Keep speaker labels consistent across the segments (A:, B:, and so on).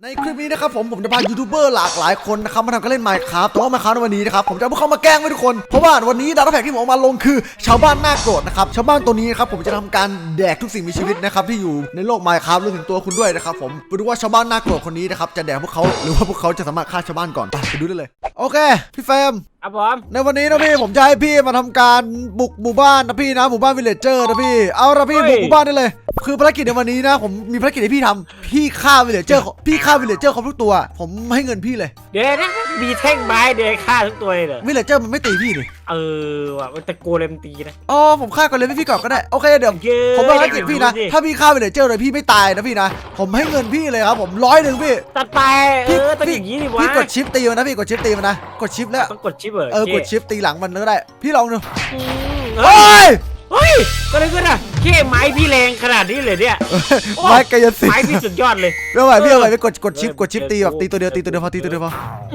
A: ในคลิปนี้นะครับผมจะพายูทูบเบอร์หลากหลายคนนะครับมาทำการเล่น Minecraft แต่ว่า Minecraft ในวันนี้นะครับผมจะเอาพวกเขามาแกล้งไว้ทุกคนเพราะว่าวันนี้ดาต้าแพ็กที่ผมเอามาลงคือชาวบ้านน่าโกรธนะครับชาวบ้านตัวนี้นะครับผมจะทำการแดกทุกสิ่งมีชีวิตนะครับที่อยู่ในโลก Minecraft รวมถึงตัวคุณด้วยนะครับผมไปดูว่าชาวบ้านน่าโกรธคนนี้นะครับจะแดกพวกเขาหรือว่าพวกเขาจะสามารถฆ่าชาวบ้านก่อนไปดูได้เลยโอเคพี่เฟรม
B: ครับผม
A: ในวันนี้นะพี่ผมจะให้พี่มาทำการบุกหมู่บ้านนะพี่นะหมู่บ้านวิลเลจเจอร์นะพี่เอาละพี่บุกหมู่บ้านได้เลยคือภารกิจในวันนี้นะผมมีภารกิจให้พี่ทำพี่ฆ่าวิลเลจเจอร์พี่ฆ่าวิลเลจเจอร์ครบทุกตัวผมให้เงินพี่เลย
B: เดี๋ยวนะมีแท่งไม้เดี๋ยวฆ่าทุกตัวเลยเหรอ
A: วิลเลจเจอร์มันไม่ตีพี่นี่
B: ว่ะมันตะโกนเลมตีนะ
A: อ๋อผมฆ่าก่อนเลยพี่ก่อนก็ได้โอเคเดี๋ยว
B: เย้
A: ผมภารกิจพี่นะถ้าพี่ฆ่าวิลเลจเจอร์เลยพี่ไม่ตายนะพี่นะผมให้เงินพี่เลยครับผม100พี่
B: ตัดไปต้องอย่างนี้ดิวะ
A: พี่กดชิปตีมันนะพี่กดชิปตีมันนะกดชิปแล้ว
B: ต้องกดชิปเหร
A: กดชิปตีหลังมันก็ได้พี่ลองดู
B: เฮ้ยก็เลยก็นะแค่ไม้พี่แรงขนาดนี้เลยเนี่ย
A: ไม้กายสิทธิ์
B: ไม้พี่สุดยอดเลย
A: ไม่ไหวพี่เอาไปกดชิปตีแบบตีตัวเดียวพอตีตัวเดียวพอ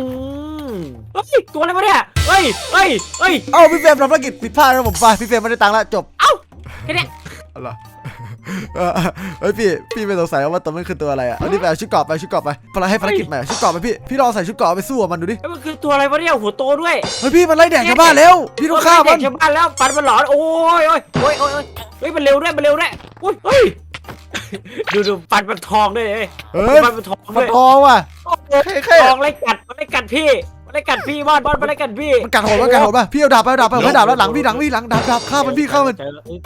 B: ตัวอะไรวะเนี่ยเฮ้ย
A: พี่เฟรมทำภารกิจผิดพลาดแล้วผมไปพี่เฟรมไม่ได้ตังค์แล้วจบ
B: แค่นี้
A: อะไรเฮ้ยพี่ไม่สงสัยว่าตัวมันคือตัวอะไรอ่ะเอาดิไปเอาชุดเกราะไปให้ภารกิจใหม่ชุดเกราะไปพี่ลองใส่ชุดเกราะไปสู้กับมันดูดิ
B: มันคือตัวอะไรวะเนี่ยหัวโตด้วย
A: เฮ้ยพี่มันไล่แดกชาวบ้านแล้วพี่ต้องฆ่ามัน
B: ชาวบ้านแล้วฟันมันหลอนโอ้ยเฮ้ยมันเร็วด้วยเฮ้ยดูฟันมันทองด้วยฟันมันทองด้วย
A: ทองว่ะ
B: ทองไล่กัดพี่มันไล่กัดพี่บอลมันไล่กัดพี่
A: มันกัดโหดป่ะพี่เอาดาบไปให้ดาบแล้วหลังดาบฆ่ามันพี่ฆ่ามัน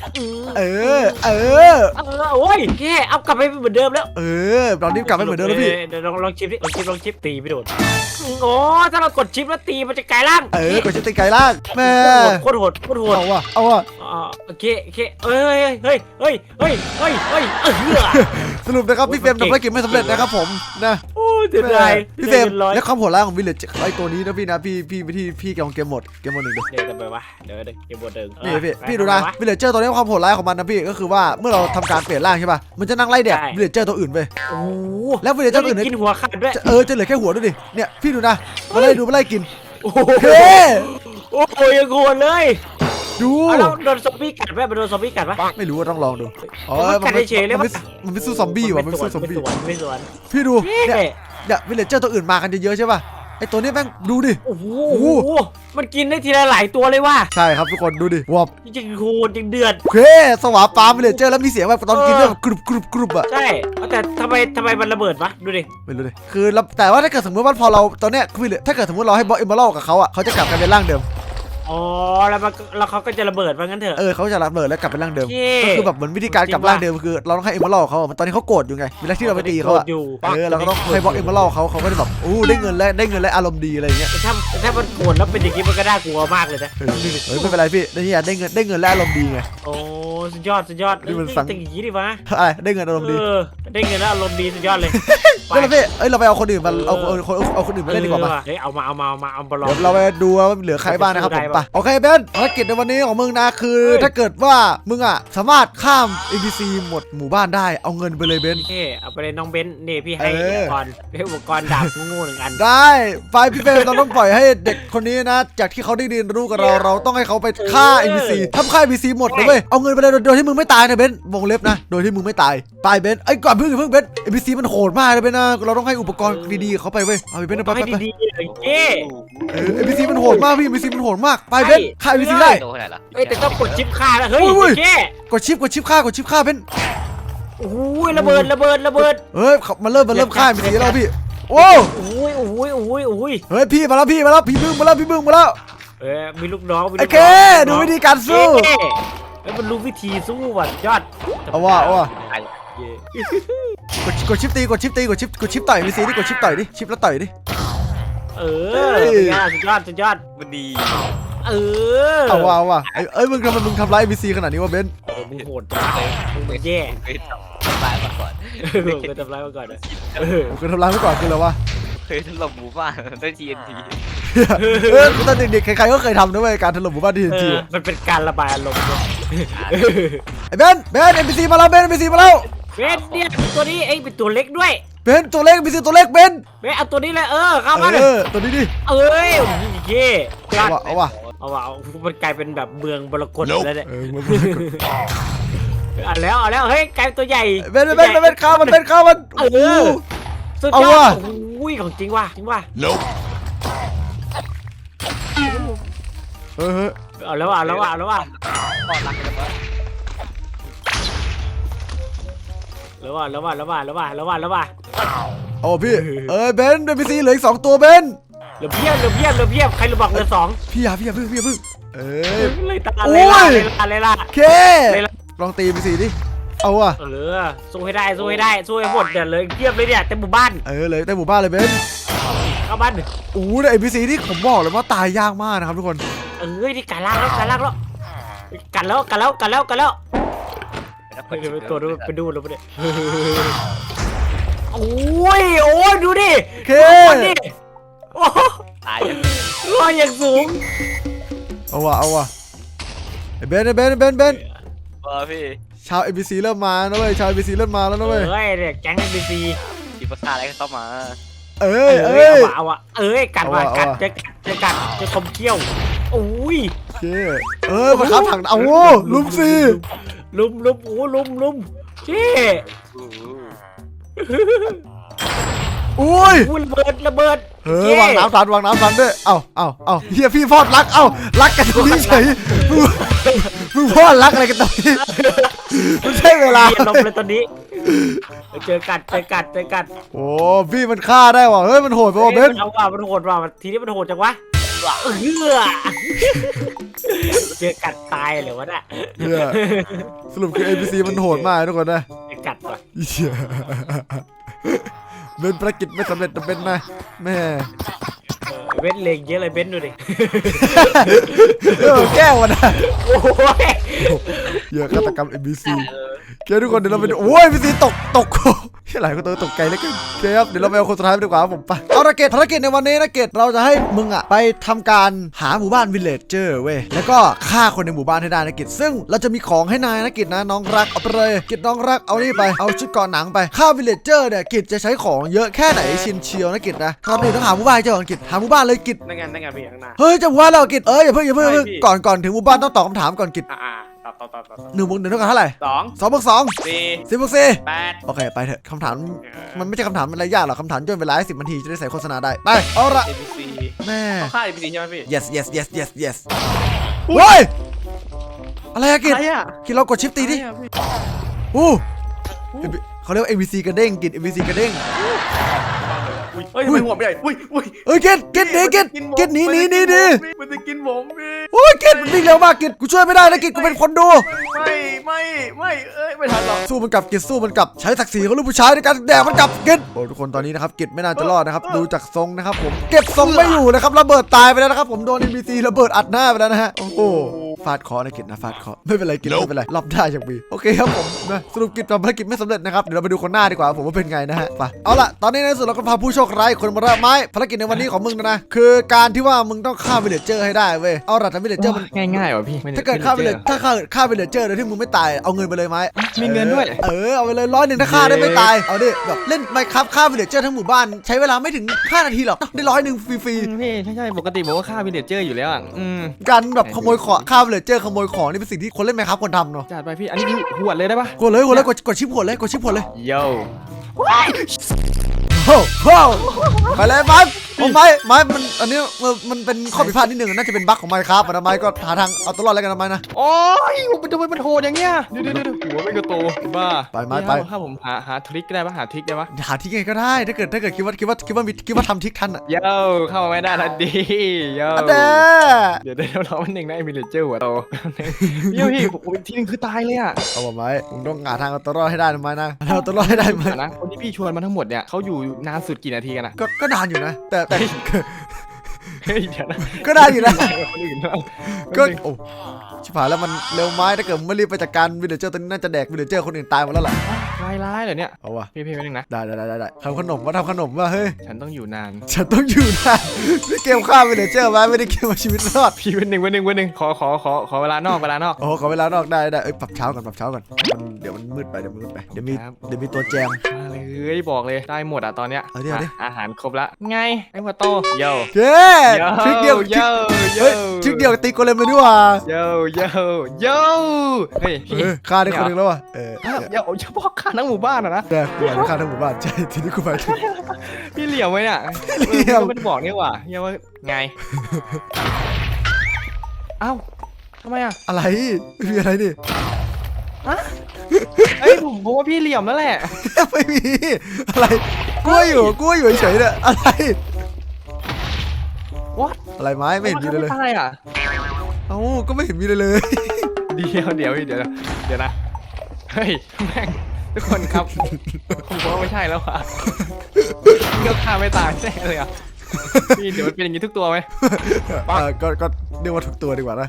B: โอ้ยแค่เอากลับไปเหมือนเดิมแล้ว
A: ตอนนี้กลับไปเหมือนเดิมแล้วพี่
B: เดี๋ยวลองชิปดิลองชิปตีไม่โดนโอ้ถ้าเรากดชิปแล้วตีมันจะกลายร่าง
A: กดชิปตีกลายร่างแม่
B: โคตรโหด
A: เอาว่ะ
B: โอเคเฮ้ย
A: สรุปนะครับพี่เฟรมทำภารกิจไม่สำเร็จนะครับผมนะ
B: โอ้เดือดเลย
A: พี่เฟรมและความโหดร้ายของวิลเลจไอตัวนี้นะพี่นะพี่เกมหมด1เดี๋ยว
B: ทำไมวะเดี๋ยวเกมหมด1
A: นี่พี่ดูนะวิลเลจเจอร์ตัวนี้ความโหดร้ายของมันนะพี่ก็คือว่าเมื่อเราทำการเปลี่ยนร่างใช่ป่ะมันจะนั่งไล่แดกวิลเลจเจอร์ตัวอื่นไปแล้ววิลเลจเจอร์ตัวอื่น
B: กินหัวขาดด้วย
A: จะเหลือแค่หัวด้วยดิเนี่ยพี่ดูนะมาไล่กิน
B: โอ้โหยังโหดเลย
A: ดู
B: แล้วโดนซอมบี้กัดไหมมันโดนซอมบี้กัดปะ
A: ไม่รู้ว่าต้องลองดู
B: มันเฉยเลย
A: มันไม่สู้ซอมบี้ว่ะมันไม่สู้ซอมบี้
B: ไม่สวน
A: พี่ดูเนี่ยวิลเลจเจอร์ตัวอื่นมากันเยอะๆใช่ป่ะไอตัวนี้แม่งดูดิ
B: โอ้โหมันกินได้ทีละหลายตัวเลยว่ะ
A: ใช่ครับทุกคนดูดิวบ
B: จริงโหดจริงเดือด
A: สวาปาวิลเลจเจอร์แล้วมีเสียงแบบตอนกินเรื่องกรุบอ่ะ
B: ใช่แต่ทำไมมันระเบิดวะดูดิ
A: ไม่รู้ดิคือแต่ว่าถ้าเกิดสมมติว่าพอเราตอนเนี้ยคือถ้าเกิดสมมติเราให้บอสเอมเบอรัลกับเขาอ่ะเขาจะกลับกันเป็นร่างเดิม
B: แล้วเขาก็จะระเบิดว่างั้นเถอะ
A: เขาจะระเบิดแล้วกลับเป็นร่างเดิมก็คือแบบเหมือนวิธีการกลับร่างเดิมคือเราต้องให้เอมเบอรัลเขาตอนนี้เขาโกรธอยู่ไงเวลาที่เราไปตีเขาเราก็ต้องให้บอสเอมเบอรัลเขาก็จะแบบได้เงินแล้วอารมณ์ดีอะไรเงี้ย
B: ถ้ามันโกรธแล้วเป็นอย่างนี้มันก็น่ากลัวมากเลยนะ
A: ไม่เป็นไรพี่ได้เงินแล้วอารมณ์ดีไง
B: โอ้สุดยอดนี่มันสั่งอย่างนี้ดิวะ
A: ได้เงินอารมณ์ดี
B: ได้เงินแล้วอารมณ์ดีสุดยอดเลย
A: ก็เลยพี่เราไปเอาคนอื่นมาเอาคนอื่นมาเล่นดีกว่า
B: มาเอาบอลล
A: เราไปดูว่าเหลือใครบ้างนะครับผมไปโอเคเบนภารกิจในวันนี้ของมึงนะคือถ้าเกิดว่ามึงอ่ะสามารถข้าม NPC หมดหมู่บ้านได้เอาเงินไปเลยเบน
B: เอาไปเลยน้องเบนนี่พี่ให้อุปกรณ์ดาบงู1 อัน
A: ได้ไปพี่เบนเราต้องปล่อยให้เด็กคนนี้นะจากที่เขาได้เรียนรู้กับเราต้องให้เขาไปฆ่า NPC ทำฆ่า NPC หมดเลยเว้ยเอาเงินไปเลยโดยที่มึงไม่ตายนะเบนวงเล็บนะโดยที่มึงไม่ตายไปเบนก่อนเพิ่งเบน NPC มันโหดมากเลยเบนนะเราต้องให้อุปกรณ์ดีๆเขาไปเว้ยเอาไปเบนไปNPC มันโหดมากพี่ NPC มันโหดมากไปเบนฆ่า NPC ได้
B: แต่ต้องกดชิปฆ่าแล้วเฮ้ย
A: กดชิปฆ่าเป็น
B: โอ้ยระเบิด
A: เฮ้ยมันเริ่มฆ่าNPCแล้วพี่โอ้
B: ย
A: เฮ้ยพี่มาแล้วพี่บึ้งมาแล้ว
B: มีลูกน้อง
A: โอเคดูวิธีการสู้
B: มันรู้วิธีสู้ว่ะยอด
A: เอาว่ะกดชิปต่อยNPCดิกดชิปต่อยดิชิปแล้วต่อยดิ
B: สุดยอด
C: มันดี
A: เอาว่ะมึงทำร้ายNPCขนาดนี้วะเบน
B: มึงโหดเลยมึงแย่
C: ทำร้ายมาก่อน
B: เคยทำร้ายมาก่อนนะ
A: เคยทำร้ายมาก่อนคืออะไรวะ
C: เคยถล่มหมู่บ้านด้วย TNT
A: ตอนเด็กๆใครๆก็เคยทำด้วยการถล่มหมู่บ้าน TNT
B: มันเป็นการระบายอารมณ์
A: ไอ้เบน NPC มาแล้วNPC มาแล้ว
B: เบนเนี่ยตัวนี้เป็นตัวเล็กด้วย
A: เบนตัวเล็กNPCตัวเล็กเบน
B: เอาตัวนี้เลยเข้ามา
A: ตัวนี้ดิ
B: เย่
A: เอาว่ะ
B: มันกลายเป็นแบบเมืองบรกลแล้วเนี่ยเอาแล้วเฮ้ยกลายเป็นตัวใหญ่
A: เบนข้าวมัน
B: สุด
A: เอา
B: ยอ
A: ว่ะ
B: ดโอ้ยของจริงว่ะจริงว่ะ
A: เฮ้ย
B: เอาแล้วว่ะเอาแล้วว่ะเอาแล้วว่ะ
C: ปอดรักกันแล้ว
B: แล้วว่ะแล้วว่ะแล้วว่ะแล้วว่ะแล้วว่ะแล้วว่ะ
A: เอาพี่เบนซ์NPC เหลืออีก2ตัวเบนซ์
B: เหลือเพียบเหลือเพียบเหลือเพียบใครรู้บอกเหลือสอง
A: พี่อย่าเพิ่งเอ้ย
B: เลยตา
A: โอ้
B: เลย ยล่ะ
A: เค
B: เลยล่ะ
A: ลองตี NPC ดิเอาว่ะ
B: สู้ให้ได้สู้ให้ได้สู้ให้หมดเดี๋ยวเลยเพียบเลยเนี่ยเต็มหมู่บ้าน
A: เลยเต็มหมู่บ้านเลยเบนซ์
B: เข้าบ้าน
A: โอ้แต่ NPC ที่ผมบอกเลยว่าตายยากมากนะครับทุกคน
B: นี่กันลากแล้วกันลากแล้วกันแล้วกันแล้วกันแล้วกันแล้วเดี๋ยวไปตัวดูไปดูแล้วไปดิโอ้ยดูดิ
A: เค
B: ดิโอ้
C: ตายยัง
B: ลอยอย่างสูง
A: เอาว่ะเบนซ์
C: พี่
A: ชาว NPC เริ่มมานะเว้ยชาว NPC เริ่มมาแล้วนะเว้ย
B: เนี่ยแก๊ง NPC
C: คิดว่าฆ่าอะไรก็เข้ามา
B: เอาอะกัดว่ะกัดจะคมเขี้ยวโอ้ย
A: เคมาครับถังเอาลุมสิ
B: ลุมเจ๊
A: อุ้ย
B: ระเบิด
A: วางน้ำทันด้วยเอาเฮียพี่พอดรักรักกันตรงนี้เฉยมึงพอดรักอะไรกันตรงนี้ไม่ใช่เวลา
B: ลมเลยตอนนี้เจอกัด
A: โอ้พี่มันฆ่าได้ว่ะเฮ้ยมันโหดไปว่ะเบน
B: เอาว่ะมันโหดว่ะทีนี้มันโหดจังวะเจอกัดตายเหรอวะน่ะ
A: เนี่ยสรุปคือ NPC มันโหดมากทุกคนนะ
B: กัดว่ะ
A: เหี้ยเป็นภารกิจไม่สำเร็จเป็นนะแม่
B: เว้นเลงเยอะเลยเบ้นดูดิ
A: แก้วนะ
B: โอ้ย
A: เยอะฆาตกรรม NPC เดี๋ยวทุกคนเดี๋ยวเราไปดูโอ้ย NPC ตกที่ไหนก็ตกไกลแล้วกันโอเคครับเดี๋ยวเราไปเอาคนสุดท้ายไปดีกว่าครับผมไปเอาภารกิจในวันนี้นะเกตเราจะให้มึงอ่ะไปทำการหาหมู่บ้านวิลเลจเจอร์เว้ยแล้วก็ฆ่าคนในหมู่บ้านให้ได้นะเกตซึ่งเราจะมีของให้นายนะเกตนะน้องรักเอาไปเลยเกตน้องรักเอานี่ไปเอาชุดเกราะหนังไปฆ่าวิลเลจเจอร์เนี่ยเกตจะใช้ของเยอะแค่ไหนชินเชียวนะเกตนะก่อนอื่นต้องหาหมู่บ้านเจ้าก่อนเกตหาหมู่บ้านเลยเกต
B: นั่งไงพี่ข้างหน้า
A: เฮ้ยจะหมู่บ้านเราเกตอย่าเพิ่งก่อนถึงหมู่บ้านต้องตอบคำถามก่อนเกต
B: ต่อ
A: 1 บวก 1เท่ากับเท่าไหร่
B: 2
A: 2 บวก 2
B: 4
A: 10 บวก 4
B: 8
A: โอเคไปเถอะคำถามมันไม่ใช่คำถามอะไรยากหรอกคำถามย่นเวลาให้10 นาทีจะได้ใส่โฆษณาได้ไปเอาละ
B: NPC
A: แม่
B: ฆ่า NPC ใช่ไหมพี่
A: yes เฮ้ยอะไรอะกิจ
B: อะไรอะ
A: กิจเรากดชิปตีดิอู้เขาเรียกว่า MVC กระเด้งกิจ MVC กระเด้ง
B: เฮ้ยทำไมหัวไม่ใหญ่อุ้ย
A: เอ้ยกิจหนีกิจหนี
B: มันจะกินผมพี่
A: โอ้ยกิจมันวิ่งเร็วมากกิจกูช่วยไม่ได้นะกิจกูเป็นคนดู
B: ไม่ทันหรอก
A: สู้มันกลับกิจสู้มันกลับใช้ศักดิ์ศรีของลูกผู้ชายในการแดกมันกลับกิจโอ้ทุกคนตอนนี้นะครับกิจไม่น่าจะรอดนะครับดูจากทรงนะครับผมเก็บทรงไม่อยู่นะครับระเบิดตายไปแล้วนะครับผมโดน NPC ระเบิดอัดหน้าไปแล้วนะฮะโอ้โหฟาดเคอนะกิจนะฟาดเคอไม่เป็นไรกิจไม่เป็นไรรับได้จากบีโอเคครับผมนะสรุปกิจทำภารกิจไม่สำเร็จนะครับเดี๋ยวเราไปดูคนหน้าดีกว่าผมว่าเป็นไงนะฮะไปเอาล่ะตอนนี้ในสุดเราก็พาผู้โชคร้ายคนมารับไม้ภารกิจในวันนี้ของมึงนะคือการที่ว่ามึงต้องฆ่าวิลเลจเจอร์ให้ได้เว้ยเอาล่ะแต่วิลเลจเจอร์มัน
D: ง่ายๆว่ะพี่
A: ถ้าเกิดฆ่าวิลเลจเจอร์โดยที่มึงไม่ตายเอาเงินไปเลยไหม
D: มีเงินด้วย
A: เอาไปเลย100ถ้าฆ่าได้ไม่ตายเอาดิแบบเล่นไมค์ครับฆ่าวิลเลจเจอร์ทั้งหมู่บ้านใช้เวลาไม่ถึง5 นาทีหรอกได้100ฟรี
D: พี่ใช่ปกติผมก็ฆ่าวิลเลจเจอร์อยู่แล้วอ่ะ
A: ๆการแบบขโมยของฆ่าวิลเลจเจอร์ขโมยของนี่เป็นสิ่งที่คนเล่นไมค์ครับควรทำเนาะ
D: จัดไปพี่อันนี้หวดเลยได้ปะ
A: กดเลยกดชิปหัวเลย
D: โย่
A: โอ้โหไปเลยไม้มันอันนี้มันเป็นข้อผิดพลาดนิดนึงน่าจะเป็นบั๊กของไมค์ครับนะไม้ก็หาทางเอาตัวรอดแล้วกันนะไม้นะ
D: โอ้ยมันทำไมมันโหดอย่างเงี้ยเดี๋ยวหัวไม่กระโตบ้า
A: ไป
D: ถ้าผมหาทริคได้ปะหาทริคได้ปะ
A: หาที่ไงก็ได้ถ้าเกิดคิดว่าทำทิกทันอ่ะ
D: โย่เข้ามาไม่ได้ทันดีโย่
A: เด้
D: เดี๋ยวเรามันหนึ่งนะวิลเลจเจอร์หัวโตพี่ผมอีกทีนึงคือตายเลยอ่ะ
A: เอาไม้มึงต้องหาทางเอาตัวรอดให้ได้นะไม้นะเอาตัวรอดให้ได้ไหม
D: นะคนที่พี่ชวนมาทั้งหมดเนี่ยเขาอยู่นานสุดกี่นาทีกันอ่ะ
A: ก็นานอยู่นะแต่
D: เฮ้ยเดี๋ยวนะ
A: ก็ได้อยู่นะ
D: คนอื่นนะ
A: ก็โอ้ชิบหายแล้วมันเร็วไม้ถ้าเกิดไม่รีบไปจัดการวิลเลจเจอร์ตัวนี้น่าจะแดกวิลเลจเจอร์คนอื่นตายหมดแล้วล่ะ
D: ร้ายเหรอเนี่ย
A: เอาวะ
D: พี่ไม่นึงนะ
A: ได้ทำขนมว่าเฮ้ย
D: ฉันต้องอยู่นาน
A: ฉันต้องอยู่นะนี่เกมฆ่าวิลเลจเจอร์ไว้ไม่ได้เกมเอาชีวิตรอด
D: พี่วันหนึ่งขอเวลานอก
A: โอ้ขอเวลานอกได้เอ้ยปรับเช้าก่อนเดี๋ยวมันมืดไปเดี๋ยวมีตัวแจม
D: มาเลยบอกเลยได้หมดอ่ะตอนเนี้ย
A: เอาดิ
D: อาหารครบละไงไอ้หัวโตโย่
A: เย้ทริกเดียวทริกเดียวตีโกเลมเลยดีกว่า
D: โย่เฮ้ย
A: ฆ่าได้คนหนึ่งแล้วว่ะ
D: อย่าบอกค่ะทั้งหมู่บ้านอะนะ
A: แต่กูอาจจะฆ่าทั้งหมู่บ้านใช่ทีนี้กูไปถึง
D: พี่เหลี่ยมไว้เนี่ย
A: พี่เหลี่ยม
D: ก็ไม่ได้บอกนี่หว่าเฮียว่าไงเอ้าทำไมอะ
A: อะไรไม่มีอะไรนี่
D: เอ้ยผมว่าพี่เหลี่ยมแล้วแหละ
A: ไม่มีอะไรกลัวอยู่เฉยๆเนี่ยอะไร
D: วะ
A: อะไรไม้ไม่เห็นมีเลย
D: ตายอ่ะ
A: เอ้าก็ไม่เห็นมีเลย
D: เดี๋ยวนะเฮ้ยแม่งทุกคนครับผมว่าไม่ใช่แล้วอ่ะเลือกฆ่าไม่ตายแน่เลยอ่ะพี่เดี๋ยวมันเป็นอย่างนี้ทุกตัวไหม
A: ก็เรียกว่าทุกตัวดีกว่านะ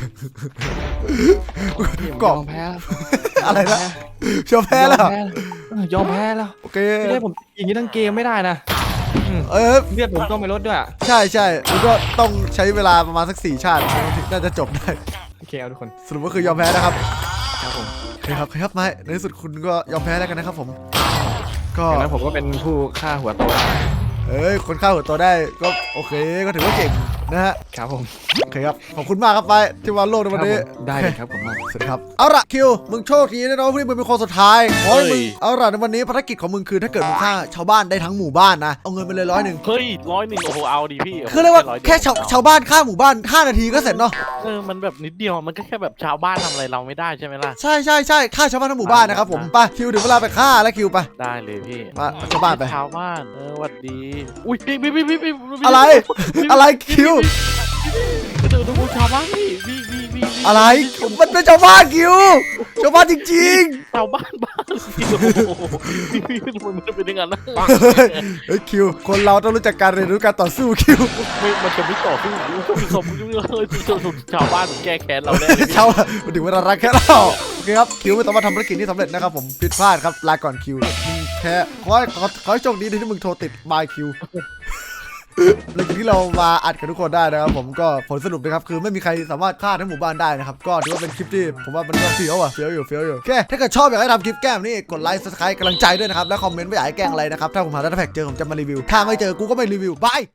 D: ย
A: กล่อง
D: อมแพ้แล้ว
A: อะไรนะชอบแพ้แล้ว
D: ยอมแพ้แล้ว
A: โอเค
D: ไม่ได้ผมอย่างนี้ทั้งเกมไม่ได้นะ
A: เออ
D: เลือดผมต้องไปลดด้วยอ่ะ
A: ใช่มันก็ต้องใช้เวลาประมาณสัก4 ชาติถึงน่าจะจบได้
D: โอเคเอาทุกคน
A: สรุปก็คือยอมแพ้นะครับ
D: ครับผม
A: โอเคครับไม้ในที่สุดคุณก็ยอมแพ้แล้วกันนะครับผมก็
D: อย่างนั้นผมก็เป็นผู้ฆ่าหัวโตได้
A: คนฆ่าหัวตัวได้ก็โอเคก็ถือว่าเก่งนะฮะ
D: ครับผม
A: โอเคครับขอบคุณมากครับไปที่มาโลกในวันนี้
D: ได้เลยครับผมมาก
A: สวัสดีครับเอาละคิวมึงโชคดีนะน้องที่มึงเป็นคนสุดท้ายขอให้มึงเอาละในวันนี้ภารกิจของมึงคือถ้าเกิดมึงฆ่าชาวบ้านได้ทั้งหมู่บ้านนะเอาเงินไปเลย100
E: เฮ้ย100โอ้โหเอาดิพี่
A: คือเรียกว่า
E: 100
A: แค่ชาวบ้านฆ่าหมู่บ้าน5 นาทีก็เสร็จเนาะ
E: มันแบบนิดเดียวมันก็แค่แบบชาวบ้านทำอะไรเราไม่ได้ใช่ไหมล่ะ
A: ใช่ฆ่าชาวบ้านทั้งหมู่บ้านนะครับผมไปคิวถึงเวลาไปฆ่าแล้วคิวไป
E: ได้เลยพี่
A: มาชาวบ้านไป
E: ชาวบ้านหวัดดีอุ้ยพี่
A: อะไรคิว
E: ดูชาวบ้านพี่
A: อะไรมันเป็นชาวบ้านคิวชาวบ้านจริง
E: ชาวบ้านบ้านพี่โอ้โหพี่มันเป็นยังไงนะ
A: ๆเฮ้ยคิวคนเราต้องรู้จักการเรียนรู้การต่อสู้คิว
E: มันจะไม่ต่อสู้ชาวบ้านแก้แค้นเราแน่เลย
A: ชาวมันถึงเวลารักแค่เราโอเคครับคิวไม่ต้องมาทำภารกิจที่สำเร็จนะครับผมผิดพลาดครับลาก่อนคิวมึงแค่ขอให้โชคดีที่มึงโทรติดบายคิวหลังจากที่เรามาอัดกับทุกคนได้นะครับผมก็ผลสรุปนะครับคือไม่มีใครสามารถฆ่าทั้งหมู่บ้านได้นะครับก็ถือว่าเป็นคลิปที่ผมว่ามันก็เฟี้ยวอยู่โอเคถ้าเกิดชอบอยากให้ทำคลิปแกล้มนี่กดไลค์ subscribe กำลังใจด้วยนะครับและคอมเมนต์ว่าอยากให้แกล้งอะไรนะครับถ้าผมหาดัตต้าแพ็กเจอผมจะมารีวิวถ้าไม่เจอกูก็ไม่รีวิวบาย